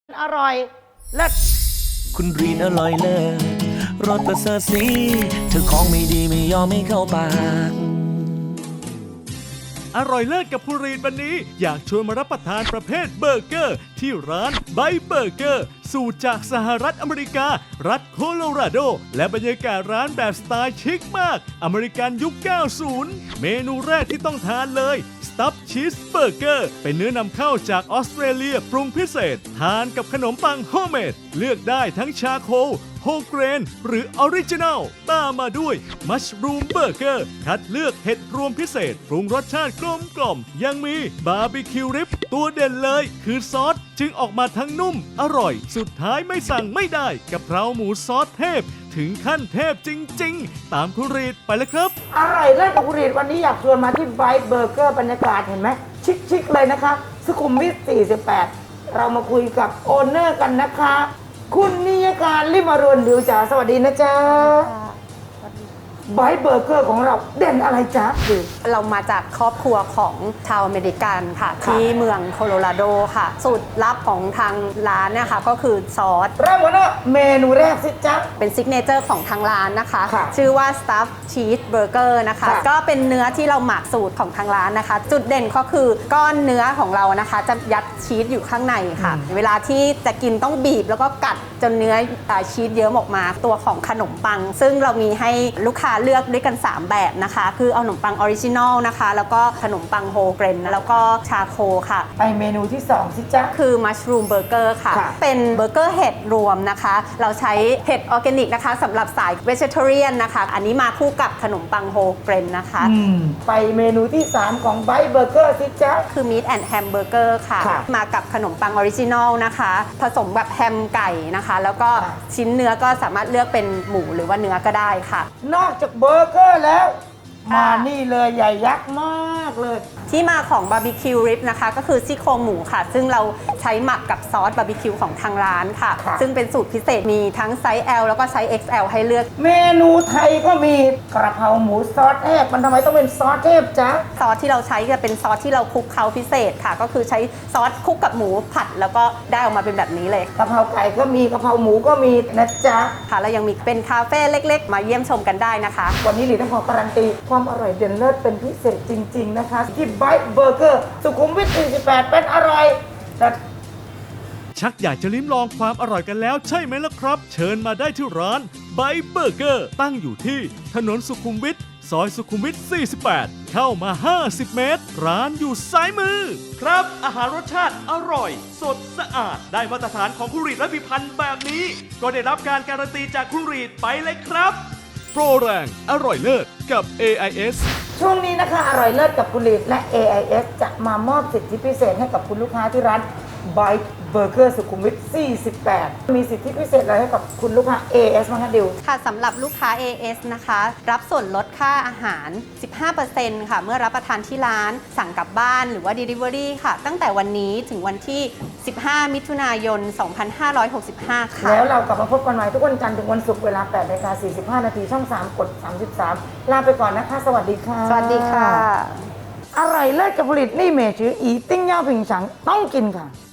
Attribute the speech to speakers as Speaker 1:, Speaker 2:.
Speaker 1: อร่อยเลิศ
Speaker 2: คุณรีนอร่อยเลิศรสประเสริฐสีเธอของไม่ดีไม่ยอมไม่เข้าปาก
Speaker 3: อร่อยเลิศกับคุณรีนวันนี้อยากชวนมารับประทานประเภทเบอร์เกอร์ที่ร้านไบเบอร์เกอร์สูตรจากสหรัฐอเมริกา รัฐโคโลราโด และบรรยากาศร้านแบบสไตล์ชิคมาก อเมริกันยุค 90 เมนูแรกที่ต้องทานเลยสตัฟชีสเบอร์เกอร์เป็นเนื้อนำเข้าจากออสเตรเลียปรุงพิเศษ ทานกับขนมปังโฮมเมดเลือกได้ทั้งชาโคลโฮเกรนหรือออริจินัลตามมาด้วยมัชรูมเบอร์เกอร์คัดเลือกเห็ดรวมพิเศษปรุงรสชาติกลมๆยังมีบาร์บีคิวริบตัวเด่นเลยคือซอสจึงออกมาทั้งนุ่มอร่อยสุดท้ายไม่สั่งไม่ได้กับเพราหมูซอสเทพถึงขั้นเทพจริงๆตามคุณรีดไปเลยครับ
Speaker 1: อร่อยเลิศกับคุณรีดวันนี้อยากชวนมาที่ไบเบอร์เกอร์บรรยากาศเห็นไหมชิคๆเลยนะคะสุขุมวิท 48 เรามาคุยกับโอนเนอร์กันนะคะคุณนิยการลิมารุนดิวจ๋าสวัสดีนะจ๊ะไบเบอร์เกอร์ของเราเด่นอะไรจ๊ะ
Speaker 4: เรามาจากครอบครัวของชาวอเมริกันค่ะที่เมืองโคโลราโดค่ะสูตรลับของทางร้านเนี่ยค่ะก็คือซอส
Speaker 1: เริ่มกันว่าเมนูแรกสิจ๊ะ
Speaker 4: เป็นซิกเนเจอร์ของทางร้านนะคะ
Speaker 1: ค่ะ
Speaker 4: ชื่อว่า Stuff Cheese Burger นะคะก็เป็นเนื้อที่เราหมักสูตรของทางร้านนะคะ จุดเด่นก็คือก้อนเนื้อของเรานะคะจะยัดชีสอยู่ข้างในค่ะเวลาที่จะกินต้องบีบแล้วก็กัดจนเนื้อชีสเยิ้มออกมาตัวของขนมปังซึ่งเรามีให้ลูกค้าเลือกด้วยกัน3แบบนะคะคือเอาขนมปังออริจินอลนะคะแล้วก็ขนมปังโฮเกรนแล้วก็ชาโคค่ะ
Speaker 1: ไปเมนูที่2สิจ๊ะ
Speaker 4: คือมัชรูมเบอร์เกอร์ค่ะเป็นเบอร์เกอร์เห็ดรวมนะคะเราใช้เห็ดออร์แกนิกนะคะสำหรับสายเวจิเทเรียนนะคะอันนี้มาคู่กับขนมปังโฮเกรนนะคะ
Speaker 1: ไปเมนูที่3ของไบเบอร์เกอร์สิจ๊ะ
Speaker 4: คือมีทแอนด์แฮมเบอร์เกอร์ค่ะมากับขนมปังออริจินอลนะคะผสมแบบแฮมไก่นะคะแล้วก็ชิ้นเนื้อก็สามารถเลือกเป็นหมูหรือว่าเนื้อก็ได้ค่ะ
Speaker 1: นอกจากเบอร์เกอร์แล้วมานี่เลยใหญ่ยักษ์มากเลย
Speaker 4: ที่มาของบาร์บีคิวริบนะคะก็คือซี่โครงหมูค่ะซึ่งเราใช้หมักกับซอสบาร์บีคิวของทางร้านค่ะซึ่งเป็นสูตรพิเศษมีทั้งไซส์ L แล้วก็ไซส์ XL ให้เลือก
Speaker 1: เมนูไทยก็มีกระเพราหมูซอสเทพมันทำไมต้องเป็นซอสเทพจ๊ะ
Speaker 4: ซอสที่เราใช้จะเป็นซอสที่เราคลุกเคล้าพิเศษค่ะก็คือใช้ซอสคลุกกับหมูผัดแล้วก็ได้ออกมาเป็นแบบนี้เลย
Speaker 1: กระเพราไก่ก็มีกระเพราหมูก็มีนะจ๊ะ
Speaker 4: ค่ะแล้วยังมีเป็นคาเฟ่เล็กๆมาเยี่ยมชมกันได้นะคะ
Speaker 1: วันนี้หลีต้องขอการันตีความอร่อยเด่นเลิศเป็นพิเศษจริงๆนะคะที่ไบเบอร์เกอร์สุขุมวิท 48 เป็นอร่อย
Speaker 3: ชักอยากจะลิ้มลองความอร่อยกันแล้วใช่ไหมล่ะครับเชิญมาได้ที่ร้านไบเบอร์เกอร์ตั้งอยู่ที่ถนนสุขุมวิทซอยสุขุมวิท 48 เข้ามา 50 เมตรร้านอยู่ซ้ายมือครับอาหารรสชาติอร่อยสดสะอาดได้มาตรฐานของคุณรีดและพิพันธ์แบบนี้ก็ได้รับการการันตีจากคุณรีดไปเลยครับโปรแรงอร่อยเลิศกับ AIS
Speaker 1: ช่วงนี้นะคะอร่อยเลิศกับคุณลีดและ AIS จะมามอบสิทธิพิเศษให้กับคุณลูกค้าที่ร้านไบเบอร์เกอร์สุขุมวิท 48 มีสิทธิพิเศษอะไรให้กับคุณลูกค้า AIS บ้างคะดิว
Speaker 4: ค่ะสำหรับลูกค้า AIS นะคะรับส่วนลดค่าอาหาร 15% ค่ะเมื่อรับประทานที่ร้านสั่งกลับบ้านหรือว่า Delivery ค่ะตั้งแต่วันนี้ถึงวันที่ 15 มิถุนายน 2565 ค่ะ
Speaker 1: แล้วเรากลับมาพบกันใหม่ทุกวันจันทร์ถึงวันศุกร์เวลา 8:45 น.ช่อง 3 กด 33 ลาไปก่อนนะคะสวัสดีค่ะ
Speaker 4: สวัสดีค่ะ
Speaker 1: อร่อยเลิศกับผลิตนี่เมจืออีติ้งย่าผิงฉังต้องกินค่ะ